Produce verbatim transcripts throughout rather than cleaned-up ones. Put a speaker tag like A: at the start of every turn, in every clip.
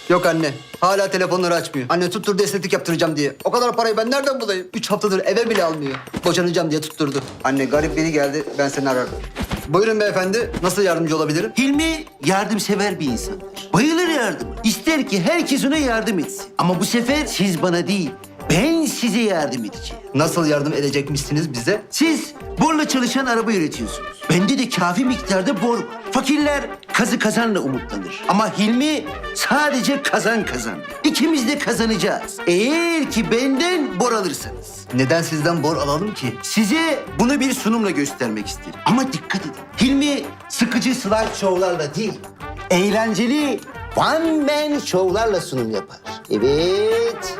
A: Yok anne. Hala telefonları açmıyor. Anne tutturdu estetik yaptıracağım diye. O kadar parayı ben nereden bulayım? Üç haftadır eve bile almıyor. Boşanacağım diye tutturdu. Anne garip biri geldi. Ben seni ararım. Buyurun beyefendi. Nasıl yardımcı olabilirim?
B: Hilmi yardımsever bir insandır. Bayılır yardıma. İster ki herkes ona yardım etsin. Ama bu sefer siz bana değil, ben size yardım edeceğim.
A: Nasıl yardım edecekmişsiniz bize?
B: Siz borla çalışan araba üretiyorsunuz. Bende de kafi miktarda bor var. Fakirler kazı kazanla umutlanır. Ama Hilmi sadece kazan kazan. İkimiz de kazanacağız. Eğer ki benden bor alırsanız.
A: Neden sizden bor alalım ki?
B: Size bunu bir sunumla göstermek isterim. Ama dikkat edin. Hilmi sıkıcı slide show'larla değil, eğlenceli one man show'larla sunum yapar. Evet.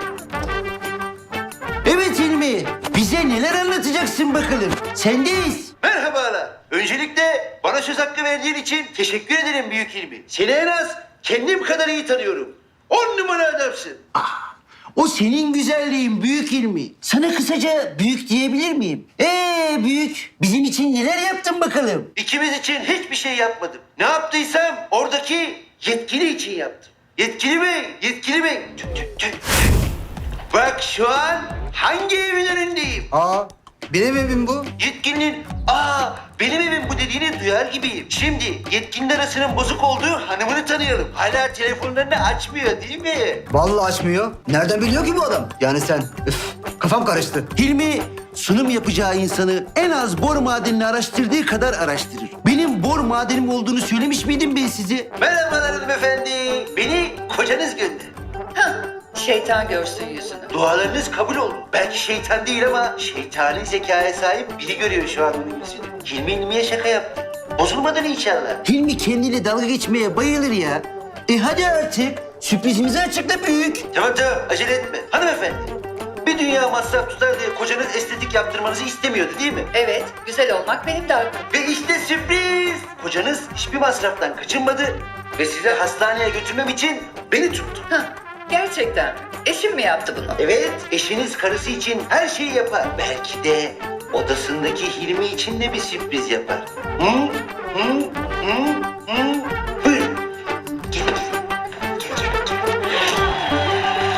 B: Evet Hilmi, bize neler anlatacaksın bakalım? Sendeyiz. Merhabalar. Öncelikle bana söz hakkı verdiğin için teşekkür ederim büyük Hilmi. Seni en az kendim kadar iyi tanıyorum. On numara adamsın. Ah, o senin güzelliğin büyük Hilmi. Sana kısaca büyük diyebilir miyim? Ee büyük, bizim için neler yaptın bakalım? İkimiz için hiçbir şey yapmadım. Ne yaptıysam oradaki yetkili için yaptım. Yetkili bey, yetkili bey. Tüh, tüh, tüh. Bak şu an hangi evin önündeyim?
A: Aa, benim evim bu.
B: Yetkilinin aa benim evim bu dediğini duyar gibiyim. Şimdi yetkinin arasının bozuk olduğu hanımını tanıyalım. Hala telefonlarını açmıyor değil mi?
A: Vallahi açmıyor. Nereden biliyor ki bu adam? Yani sen. Üf, kafam karıştı.
B: Hilmi sunum yapacağı insanı en az bor madenini araştırdığı kadar araştırır. Benim bor madenim olduğunu söylemiş miydim ben size? Merhabalar hanımefendi. Beni kocanız gönderdi.
C: Hah, şeytan görsün yüzünü.
B: Dualarınız kabul oldu. Belki şeytan değil ama şeytani zekaya sahip biri görüyor şu an onun yüzünü. Hilmi Hilmi'ye şaka yaptı. Bozulmadan inşallah. Hilmi kendiyle dalga geçmeye bayılır ya. E hadi artık sürprizimizi açıkla büyük. Tamam tamam acele etme. Hanımefendi bir dünya masraf tutar diye kocanız estetik yaptırmanızı istemiyordu değil mi?
C: Evet, güzel olmak benim de hakkım.
B: Ve işte sürpriz. Kocanız hiçbir masraftan kaçınmadı ve size hastaneye götürmem için beni tuttu.
C: Hah, gerçekten mi? Eşim mi yaptı bunu?
B: Evet, eşiniz karısı için her şeyi yapar. Belki de odasındaki Hilmi için de bir sürpriz yapar. Hı? Hı? Hı? Hı? Buyurun. Gelin, gelin. Gel, gel, gel.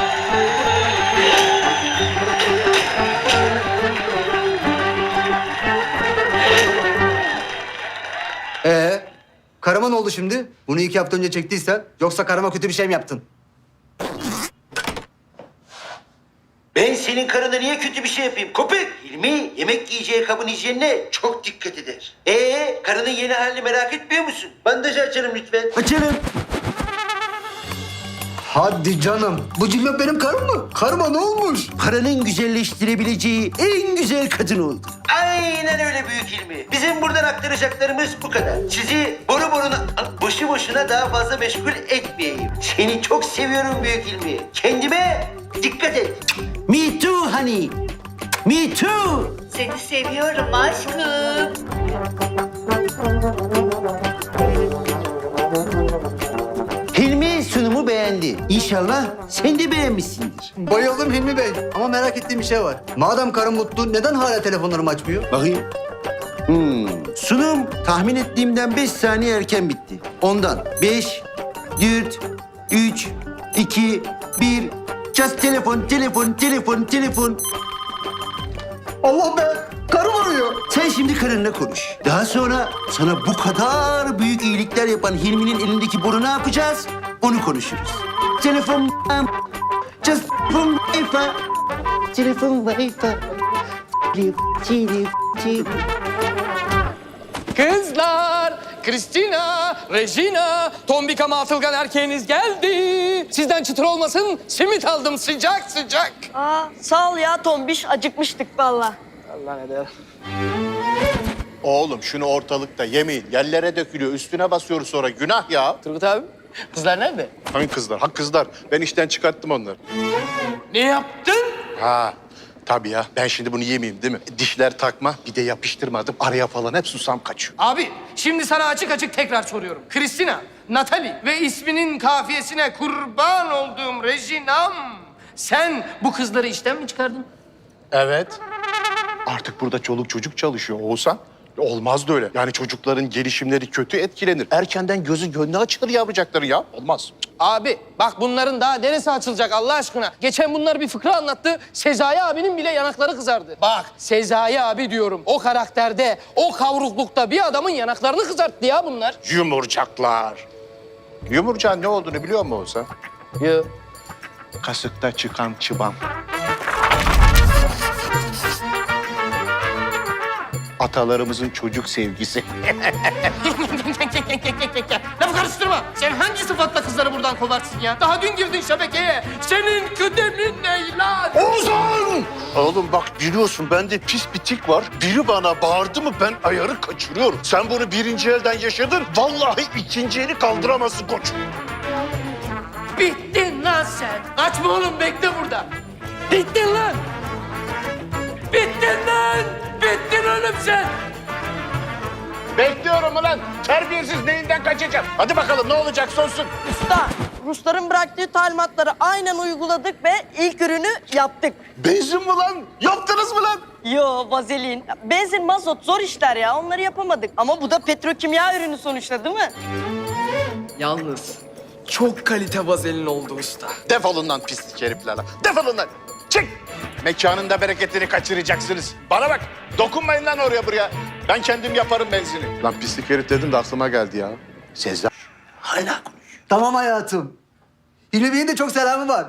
A: Ee, karıma ne oldu şimdi? Bunu iki hafta önce çektiysen, yoksa karıma kötü bir şey mi yaptın?
B: Ben senin karına niye kötü bir şey yapayım köpek? Hilmi yemek yiyeceği kabın hijyenine çok dikkat eder. Ee, karının yeni halini merak etmiyor musun? Bandajı açalım lütfen. Açalım.
A: Hadi canım. Bu cimri benim karım mı? Karıma ne olmuş?
B: Paranın güzelleştirebileceği en güzel kadın oldu. Aynen öyle büyük Hilmi. Bizim buradan aktaracaklarımız bu kadar. Sizi boru boruna, boşu boşuna daha fazla meşgul etmeyeyim. Seni çok seviyorum büyük Hilmi. Kendime dikkat et. Me too honey. Me too.
C: Seni seviyorum aşkım.
B: Hilmi sunumu beğendi. İnşallah sen de beğenmişsindir.
A: Bayıldım Hilmi Bey. Ama merak ettiğim bir şey var. Madem karım mutlu, neden hala telefonlarımı açmıyor?
B: Bakayım. Hmm. Sunum tahmin ettiğimden beş saniye erken bitti. Ondan beş, dört, üç, iki, bir. Just telefon, telefon, telefon, telefon.
A: Allah be! Karım arıyor.
B: Sen şimdi karınla konuş. Daha sonra sana bu kadar büyük iyilikler yapan Hilmi'nin elindeki boru ne yapacağız? Onu konuşuruz. Telefon, just telefon, wifi. Telefon, wifi.
D: Kızlar, Kristina, Regina, tombik ama atılgan erkeğiniz geldi. Sizden çıtır olmasın, simit aldım sıcak sıcak.
E: Aa, sağ ol ya Tombiş. Acıkmıştık valla.
D: Allah ne der.
F: Oğlum şunu ortalıkta yemeyin. Yerlere dökülüyor. Üstüne basıyoruz sonra. Günah ya.
D: Turgut abi, kızlar nerede?
F: Hangi kızlar? Ha kızlar. Ben işten çıkarttım onları.
D: Ne yaptın?
F: Ha tabii ya. Ben şimdi bunu yemeyeyim değil mi? Dişler takma. Bir de yapıştırmadım. Araya falan hep susam kaçıyor.
D: Abi, şimdi sana açık açık tekrar soruyorum. Kristina, Natalie ve isminin kafiyesine kurban olduğum Regina'm. Sen bu kızları işten mi çıkardın?
F: Evet. Artık burada çoluk çocuk çalışıyor Oğuzhan. Olmaz da öyle. Yani çocukların gelişimleri kötü etkilenir. Erkenden gözü gönlü açılır yavrucakları ya. Olmaz.
D: Abi bak bunların daha neresi açılacak Allah aşkına? Geçen bunlar bir fıkra anlattı. Sezai abinin bile yanakları kızardı. Bak Sezai abi diyorum. O karakterde, o kavruklukta bir adamın yanaklarını kızarttı ya bunlar.
F: Yumurcaklar. Yumurcağın ne olduğunu biliyor musun sen?
D: Ya.
F: Kasıkta çıkan çıban. Atalarımızın çocuk sevgisi.
D: Lafı karıştırma. Sen hangi sıfatla kızları buradan kovarsın ya? Daha dün girdin şebekeye. Senin kıdemin ne lan?
F: Ozan! Oğlum bak biliyorsun bende pis bir tik var. Biri bana bağırdı mı ben ayarı kaçırıyorum. Sen bunu birinci elden yaşadın. Vallahi ikinci eli kaldıramazsın koç.
D: Bittin lan sen. Kaçma oğlum bekle burada. Bittin lan. Bittin lan. Bittin oğlum sen.
F: Bekliyorum ulan. Terbiyesiz neyinden kaçacağım? Hadi bakalım ne olacak sonsun.
E: Usta, Rusların bıraktığı talimatları aynen uyguladık ve ilk ürünü yaptık.
F: Benzin mi lan? Yaptınız mı lan?
E: Yo, vazelin. Benzin, mazot zor işler ya. Onları yapamadık. Ama bu da petrokimya ürünü sonuçta değil mi?
G: Yalnız çok kalite vazelin oldu usta.
F: Defolun lan pislik herifler lan. Defolun lan. Çık. Mekanın da bereketini kaçıracaksınız. Bana bak. Dokunmayın lan oraya buraya. Ben kendim yaparım benzini. Lan pislik herif dedin de aklıma geldi ya. Sezer. Hala
A: Tamam hayatım. Hilmi Bey'in de çok selamı var.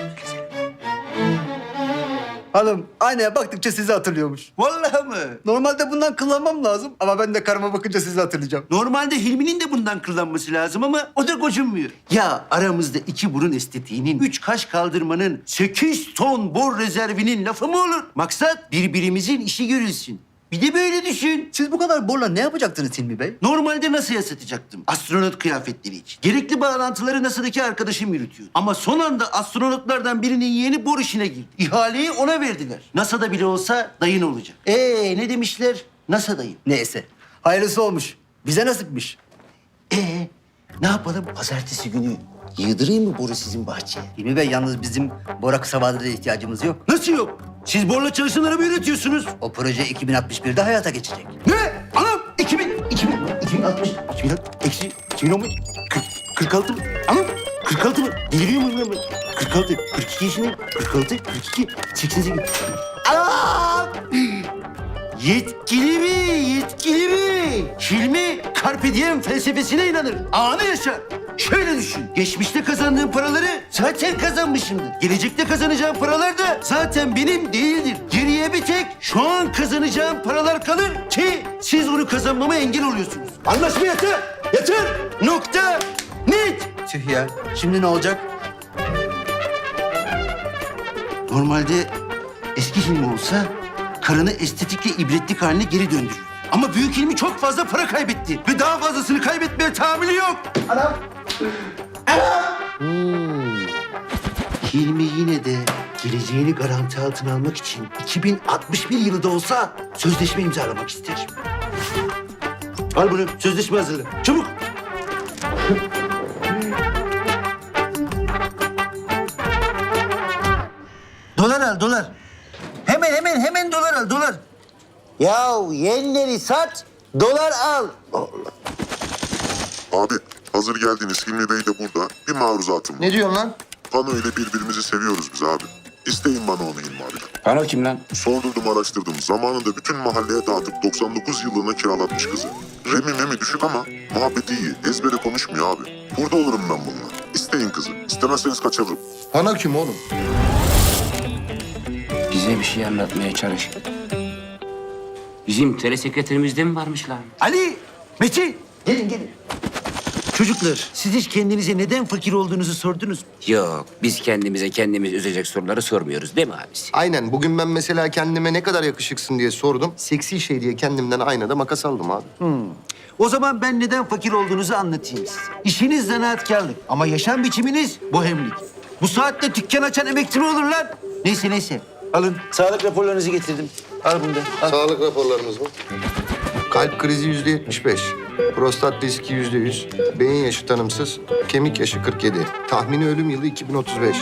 A: Hanım aynaya baktıkça sizi hatırlıyormuş.
B: Vallahi mı?
A: Normalde bundan kullanmam lazım ama ben de karıma bakınca sizi hatırlayacağım.
B: Normalde Hilmi'nin de bundan kullanması lazım ama o da gocunmuyor. Ya aramızda iki burun estetiğinin, üç kaş kaldırmanın, sekiz ton bor rezervinin lafı mı olur? Maksat birbirimizin işi görülsün. Bir de böyle düşün.
A: Siz bu kadar borla ne yapacaktınız Hilmi Bey?
B: Normalde NASA'ya satacaktım. Astronot kıyafetleri için. Gerekli bağlantıları NASA'daki arkadaşım yürütüyor. Ama son anda astronotlardan birinin yeğeni bor işine girdi. İhaleyi ona verdiler. NASA'da bile olsa dayın olacak. Ee ne demişler? NASA dayın.
A: Neyse. Hayırlısı olmuş. Bize nasipmiş.
B: Ee ne yapalım? Pazartesi günü yığdırayım mı boru sizin bahçeye?
A: Hilmi Bey yalnız bizim bora kısa vadede ihtiyacımız yok.
B: Nasıl yok? Siz borla çalışan araba üretiyorsunuz.
A: O proje iki bin altmış birde hayata geçecek.
B: Ne? Anam! iki bin, iki bin, iki bin altmış, iki bin altmış, eksi, iki bin on beş, kırk, kırk altı mı? Anam! kırk altı mı? Deliriyor muyum ben? kırk altı, kırk iki yaşındayım. kırk altı, kırk iki, seksen sekiz. Anam! Yetkili mi? Yetkili mi? Hilmi Carpe Diem felsefesine inanır. Anı yaşar. Şöyle düşün. Geçmişte kazandığım paraları zaten kazanmışımdır. Gelecekte kazanacağım paralar da zaten benim değildir. Geriye bir tek şu an kazanacağım paralar kalır ki siz onu kazanmama engel oluyorsunuz. Anlaşma yeter. Yeter. Nokta. Net.
A: Tüh ya. Şimdi ne olacak?
B: Normalde eski Hilmi olsa karını estetikle ibretlik haline geri döndürür. Ama büyük Hilmi çok fazla para kaybetti ve daha fazlasını kaybetmeye tahammülü yok. Anam. Anam. Hmm. Hilmi yine de geleceğini garanti altına almak için iki bin altmış bir yılı da olsa sözleşme imzalamak ister. Al bunu, sözleşme hazırla. Çabuk. Dolar al, dolar. Hemen, hemen, hemen dolar al, dolar. Yahu yenleri sat, dolar al.
H: Abi hazır geldiniz Hilmi Bey de burada. Bir maruzatım var.
B: Ne diyorsun lan?
H: Pano ile birbirimizi seviyoruz biz abi. İsteyin bana onu Hilmi abi.
I: Pano kim lan?
H: Sordurdum araştırdım. Zamanında bütün mahalleye dağıtıp doksan dokuz yıllığına kiralatmış kızı. Remi memi düşük ama muhabbeti iyi. Ezbere konuşmuyor abi. Burada olurum ben bununla. İsteyin kızı. İstemezseniz kaçırırım.
J: Ana kim oğlum?
I: Bize bir şey anlatmaya çalış. Bizim telesekreterimizde mi varmış lan?
B: Ali, Metin. Gelin, gelin. Çocuklar, siz hiç kendinize neden fakir olduğunuzu sordunuz mu?
I: Yok, biz kendimize kendimiz üzecek soruları sormuyoruz değil mi abisi?
J: Aynen. Bugün ben mesela kendime ne kadar yakışıksın diye sordum. Seksi şey diye kendimden aynada makas aldım abi.
B: O zaman ben neden fakir olduğunuzu anlatayım size. İşiniz zanaatkarlık ama yaşam biçiminiz bohemlik. Bu saatte dükkan açan emekçi mi olur lan? Neyse neyse. Alın, sağlık raporlarınızı getirdim. Al bunu da. Al.
J: Sağlık raporlarımız mı? Kalp krizi yüzde yetmiş beş. Prostat riski yüzde yüz. Beyin yaşı tanımsız. Kemik yaşı kırk yedi. Tahmini ölüm yılı iki bin otuz beş.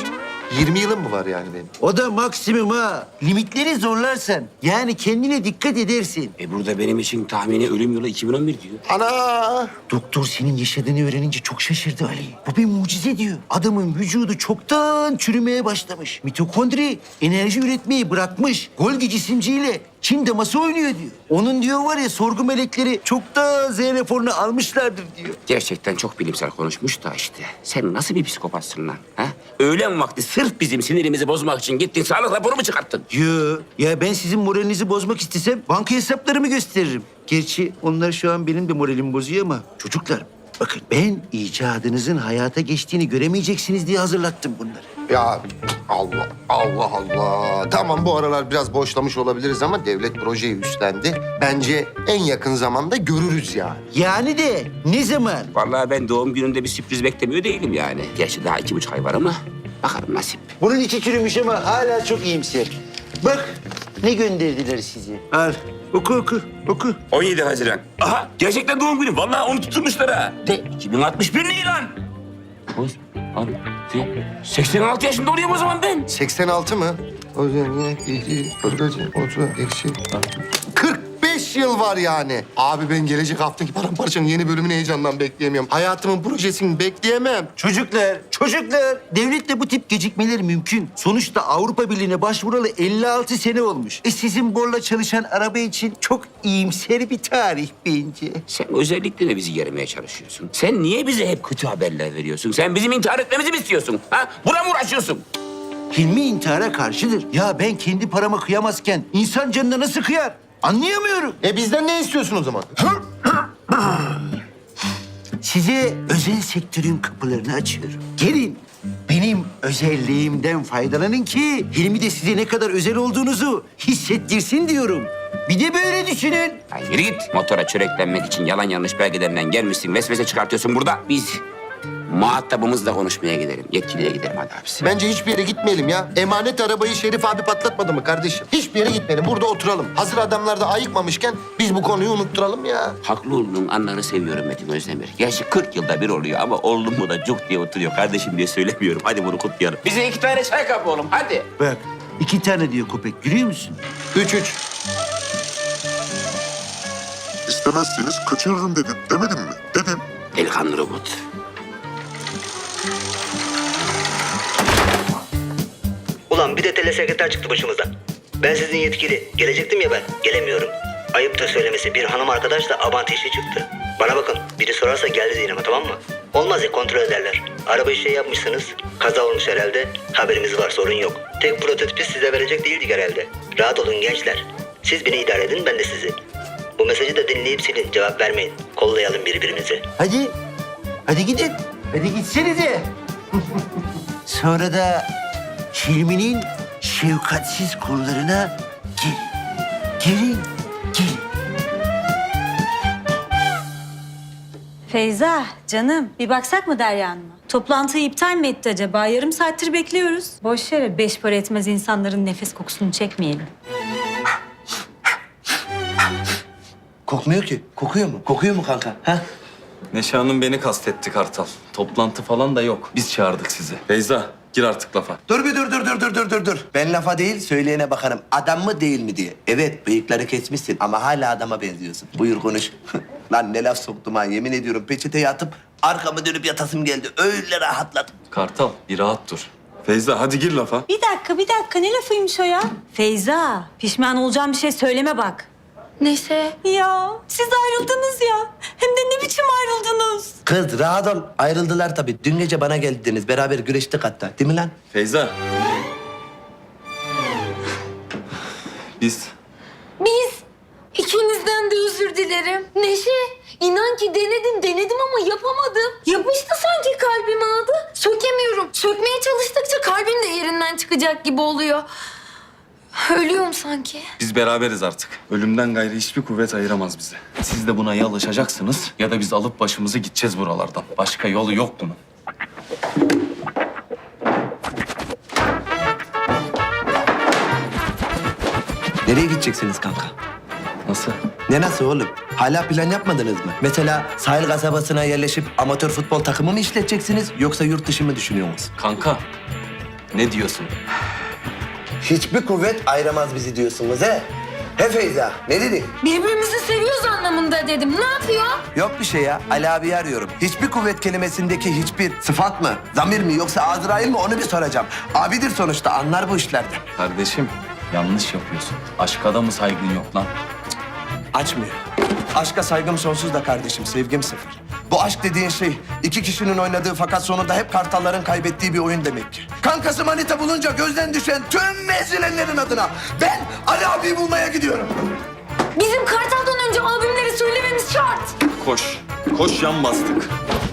J: yirmi yılım mı var yani benim?
B: O da maksimum ha. Limitleri zorlarsan, yani kendine dikkat edersin.
I: E burada benim için tahmini ölüm yılı iki bin on bir diyor.
J: Ana!
B: Doktor senin yaşadığını öğrenince çok şaşırdı Ali. Bu bir mucize diyor. Adamın vücudu çoktan çürümeye başlamış. Mitokondri enerji üretmeyi bırakmış. Golgi cisimciyle Çin daması oynuyor diyor. Onun diyor var ya sorgu melekleri çoktan Z raporunu almışlardır diyor.
I: Gerçekten çok bilimsel konuşmuş da işte. Sen nasıl bir psikopatsın lan? Ha? Öğlen vakti sırf bizim sinirimizi bozmak için gittin sağlık raporu mu çıkarttın?
B: Yo, ya ben sizin moralinizi bozmak istesem banka hesaplarımı gösteririm. Gerçi onlar şu an benim de moralimi bozuyor ama çocuklar bakın ben icadınızın hayata geçtiğini göremeyeceksiniz diye hazırlattım bunları.
J: Ya Allah, Allah Allah. Tamam bu aralar biraz boşlamış olabiliriz ama devlet projeyi üstlendi. Bence en yakın zamanda görürüz yani.
B: Yani de ne zaman?
I: Vallahi ben doğum gününde bir sürpriz beklemiyor değilim yani. Gerçi daha iki buçuk ay var ama bakalım nasip.
B: Bunun içi çürümüş ama hala çok iyimser. Bak ne gönderdiler size. Al oku oku oku.
I: on yedi Haziran. Aha gerçekten doğum günüm. Vallahi onu tutturmuşlar ha. De iki bin altmış bir ne lan? Boz, abi, de, seksen altı yaşında oluyorum o zaman ben.
J: seksen altı mı? O zaman yine iki, otuz, eksi. kırk beş yıl var yani. Abi ben gelecek haftaki Paramparça'nın yeni bölümünü heyecandan bekleyemiyorum. Hayatımın projesini bekleyemem.
B: Çocuklar, çocuklar. Devletle bu tip gecikmeler mümkün. Sonuçta Avrupa Birliği'ne başvuralı elli altı sene olmuş. E sizin borla çalışan araba için çok iyimser bir tarih bence.
I: Sen özellikle de bizi yermeye çalışıyorsun. Sen niye bize hep kötü haberler veriyorsun? Sen bizim intihar etmemizi mi istiyorsun? Ha? Buna mı uğraşıyorsun?
B: Hilmi intihara karşıdır. Ya ben kendi parama kıyamazken insan canına nasıl kıyar? Anlayamıyorum.
J: E bizden ne istiyorsun o zaman?
B: Size özel sektörün kapılarını açıyorum. Gelin benim özelliğimden faydalanın ki Hilmi de size ne kadar özel olduğunuzu hissettirsin diyorum. Bir de böyle düşünün.
I: Ya yürü git. Motora çöreklenmek için yalan yanlış belgelerinden gelmişsin. Vesvese çıkartıyorsun burada. Biz muhatabımızla konuşmaya gidelim. Yetkiliye gidelim hadi abisi.
J: Bence hiçbir yere gitmeyelim ya. Emanet arabayı Şerif abi patlatmadı mı kardeşim? Hiçbir yere gitmeyelim. Burada oturalım. Hazır adamlar da ayıkmamışken biz bu konuyu unutturalım ya.
I: Haklı olduğun anları seviyorum Metin Özdemir. Gerçi kırk yılda bir oluyor ama oğlum mu da cuk diye oturuyor. Kardeşim diye söylemiyorum. Hadi bunu kutlayalım. Bize iki tane çay kap oğlum hadi.
B: Bak iki tane diyor köpek görüyor musun?
J: Üç üç.
H: İstemezseniz kaçırırım dedim. Demedim mi? Dedim.
I: Delikanlı robot.
K: Ulan bir de telesekreter çıktı başımıza. Ben sizin yetkili. Gelecektim ya ben. Gelemiyorum. Ayıp da söylemesi bir hanım arkadaş da Abant işi çıktı. Bana bakın biri sorarsa geldi diyelim ama tamam mı? Olmaz ya kontrol ederler. Arabayı şey yapmışsınız. Kaza olmuş herhalde. Haberimiz var sorun yok. Tek prototipi size verecek değildik herhalde. Rahat olun gençler. Siz beni idare edin ben de sizi. Bu mesajı da dinleyip silin. Cevap vermeyin. Kollayalım birbirimizi.
B: Hadi. Hadi gidin. Hadi gitsenize. Sonra da Hilmi'nin şefkatsiz kollarına gelin. Gelin. Gelin.
L: Feyza, canım bir baksak mı Derya Hanım'a? Toplantıyı iptal mi etti acaba? Yarım saattir bekliyoruz. Boş yere beş para etmez insanların nefes kokusunu çekmeyelim.
K: Kokmuyor ki. Kokuyor mu? Kokuyor mu kanka? Ha?
M: Neşe Hanım beni kastetti Kartal. Toplantı falan da yok. Biz çağırdık sizi. Feyza gir artık lafa.
K: Dur bir dur dur dur dur dur dur dur. Ben lafa değil söyleyene bakarım. Adam mı değil mi diye. Evet bıyıkları kesmişsin ama hala adama benziyorsun. Buyur konuş. Lan ne laf soktum ha yemin ediyorum peçeteye atıp arkamı dönüp yatasım geldi. Öyle rahatladım.
M: Kartal bir rahat dur. Feyza hadi gir lafa.
L: Bir dakika, bir dakika. Ne lafıymış o ya? Feyza, pişman olacağım bir şey söyleme bak.
C: Neşe.
L: Ya, siz ayrıldınız ya. Hem de ne biçim ayrıldınız?
K: Kız rahat ol. Ayrıldılar tabii. Dün gece bana geldiniz. Beraber güreştik hatta. Değil mi lan?
M: Feyza. Biz
C: Biz ikinizden de özür dilerim. Neşe, inan ki denedim denedim ama yapamadım. Yapıştı sanki kalbime adı. Sökemiyorum. Sökmeye çalıştıkça kalbim de yerinden çıkacak gibi oluyor. Ölüyorum sanki.
M: biz beraberiz artık. Ölümden gayrı hiçbir kuvvet ayıramaz bizi. Siz de buna ya alışacaksınız ya da biz alıp başımızı gideceğiz buralardan. Başka yolu yok bunun.
K: Nereye gideceksiniz kanka?
M: Nasıl?
K: Ne nasıl oğlum? Hala plan yapmadınız mı? Mesela sahil kasabasına yerleşip amatör futbol takımı mı işleteceksiniz yoksa yurt dışı mı düşünüyorsunuz?
M: Kanka Ne diyorsun?
B: Hiçbir kuvvet ayıramaz bizi diyorsunuz he? He Feyza, ne dedin?
C: Birbirimizi seviyoruz anlamında dedim. Ne yapıyor?
B: Yok bir şey ya, Ali abi arıyorum. Hiçbir kuvvet kelimesindeki hiçbir sıfat mı, zamir mi yoksa Azrail mi onu bir soracağım. Abidir sonuçta, anlar bu işlerden.
M: Kardeşim yanlış yapıyorsun. Aşka da mı saygın yok lan?
B: Açmıyor. Aşka saygım sonsuz da kardeşim, sevgim sıfır. Bu aşk dediğin şey iki kişinin oynadığı fakat sonunda hep kartalların kaybettiği bir oyun demek ki. Kankası manita bulunca gözden düşen tüm ezilenlerin adına ben Ali abiyi bulmaya gidiyorum.
C: Bizim Kartal'dan önce albümleri söylememiz şart.
M: Koş. Koş yan bastık.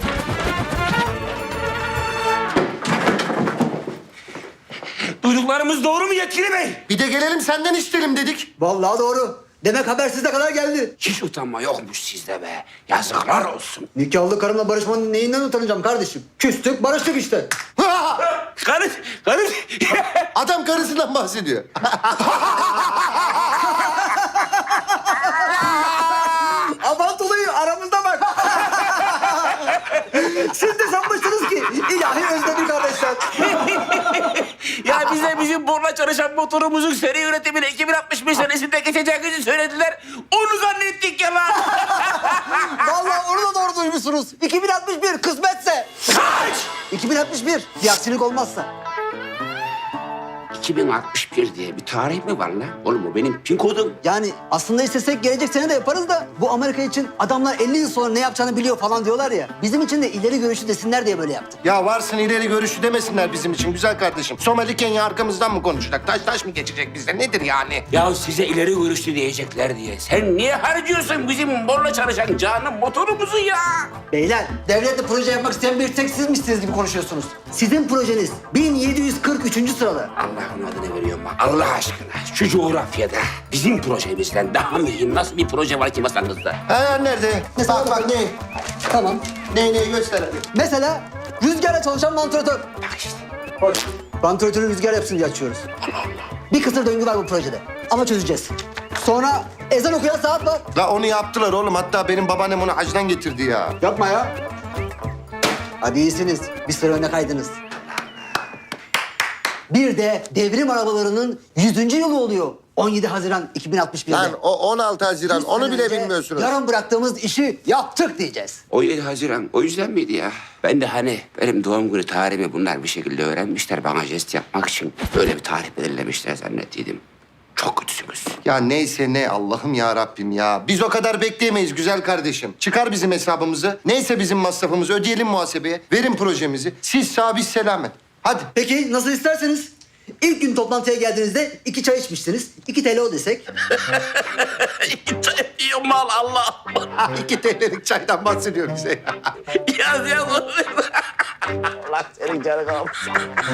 I: Duyduklarımız doğru mu yetkili bey?
J: Bir de gelelim senden isterim dedik.
A: Vallahi doğru. Demek haber size kadar geldi.
I: Hiç utanma yokmuş sizde be. Yazıklar olsun.
A: Nikahlı karımla barışmanın neyinden utanacağım kardeşim? Küstük, barıştık işte.
I: Karı, karı.
J: Adam karısından bahsediyor.
A: Aman olayı aramızda bak. Siz de sanmışsınız ki ilahi özlemi kardeşler.
I: Ya bize bizim borla çalışan motorumuzun seri üretimine iki bin altmış beş senesinde geçeceğimizi söylediler. Onu zannettik ya lan.
A: Vallahi onu da doğru duymuşsunuz. iki bin altmış bir kısmetse.
I: Kaç?
A: iki bin altmış bir bir aksilik olmazsa.
I: iki bin altmış bir diye bir tarih mi var lan? Oğlum o benim pin kodum.
A: Yani aslında istesek gelecek sene de yaparız da bu Amerika için adamlar elli yıl sonra ne yapacağını biliyor falan diyorlar ya. Bizim için de ileri görüşü desinler diye böyle yaptık.
J: Ya varsın ileri görüşü demesinler bizim için güzel kardeşim. Somali Kenya arkamızdan mı konuşacak? Taş taş mı geçecek bizde? Nedir yani?
I: Ya size ileri görüşlü diyecekler diye. Sen niye harcıyorsun bizim borla çalışan canım motorumuzu ya?
A: Beyler, devletle proje yapmak isteyen bir tek sizmişsiniz gibi konuşuyorsunuz. Sizin projeniz bin yedi yüz kırk üçüncü sırada.
I: Allah'ın adını veriyorum bak. Allah aşkına şu coğrafyada bizim projemizden daha mühim nasıl bir proje var ki masanızda?
J: Ha nerede?
A: Mesela
J: Bak bak ne?
A: Tamam.
J: Ne ne göster hadi.
A: Mesela rüzgarla çalışan vantilatör.
I: Bak işte.
A: Hoş. Vantilatörü rüzgar yapsın diye açıyoruz. Bir kısır döngü var bu projede. Ama çözeceğiz. Sonra ezan okuyan saat var.
J: La onu yaptılar oğlum. Hatta benim babaannem onu hacdan getirdi ya.
A: Yapma ya. Hadi iyisiniz. Bir sıra öne kaydınız. Bir de devrim arabalarının yüzüncü yılı oluyor. on yedi Haziran iki bin altmış bir'de.
J: Lan o on altı Haziran
A: Bir
J: onu
A: sene
J: bile
A: önce
J: bilmiyorsunuz.
A: Yarın bıraktığımız işi yaptık diyeceğiz.
I: on yedi Haziran o yüzden miydi ya? Ben de hani benim doğum günü tarihimi bunlar bir şekilde öğrenmişler. Bana jest yapmak için böyle bir tarih belirlemişler zannettiydim. Çok kötüsünüz.
J: Ya neyse ne Allah'ım ya Rabbim ya. Biz o kadar bekleyemeyiz güzel kardeşim. Çıkar bizim hesabımızı. Neyse bizim masrafımızı ödeyelim muhasebeye. Verin projemizi. Siz sağ biz selamet. Hadi.
A: Peki nasıl isterseniz. İlk gün toplantıya geldiğinizde iki çay içmişsiniz. iki TL o desek.
I: Yiyor mal Allah.
J: İki TL'lik çaydan bahsediyor bize ya.
I: Yaz yaz. Allah senin canını alsın.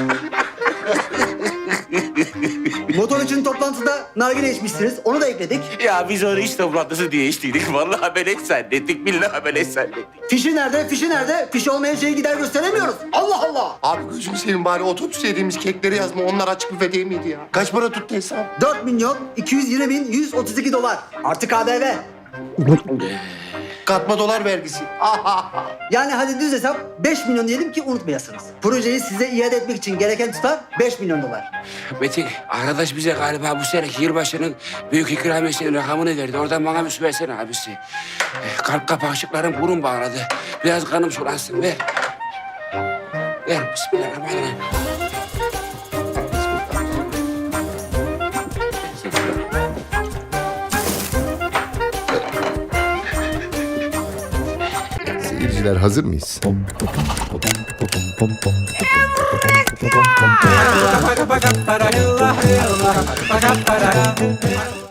A: Motor için toplantıda nargile içmişsiniz. Onu da ekledik.
I: Ya biz onu iş toplantısı diye içtiydik. Vallahi beleş zannettik. Billahi beleş zannettik.
A: Fişi nerede? Fişi nerede? Fişi olmayan şeyi gider gösteremiyoruz. Allah Allah.
J: Abi gözünü seveyim bari otobüs yediğimiz kekleri yazma. Onlar açık büfe değil miydi ya? Kaç para tuttu hesap?
A: dört milyon iki yüz yirmi bin yüz otuz iki dolar. Artı K D V.
J: Katma dolar vergisi.
A: Yani hadi düz hesap beş milyon diyelim ki unutmayasınız. Projeyi size iade etmek için gereken tutar beş milyon dolar.
I: Metin, arkadaş bize galiba bu seneki yılbaşının büyük ikramiyesinin rakamını verdi. Oradan bana bir su versene abisi. Eh, Kalp kapakçıklarım burun bağladı. Biraz kanım sulansın. Ver. Ver. Bismillahirrahmanirrahim.
H: Seyirciler hazır mıyız?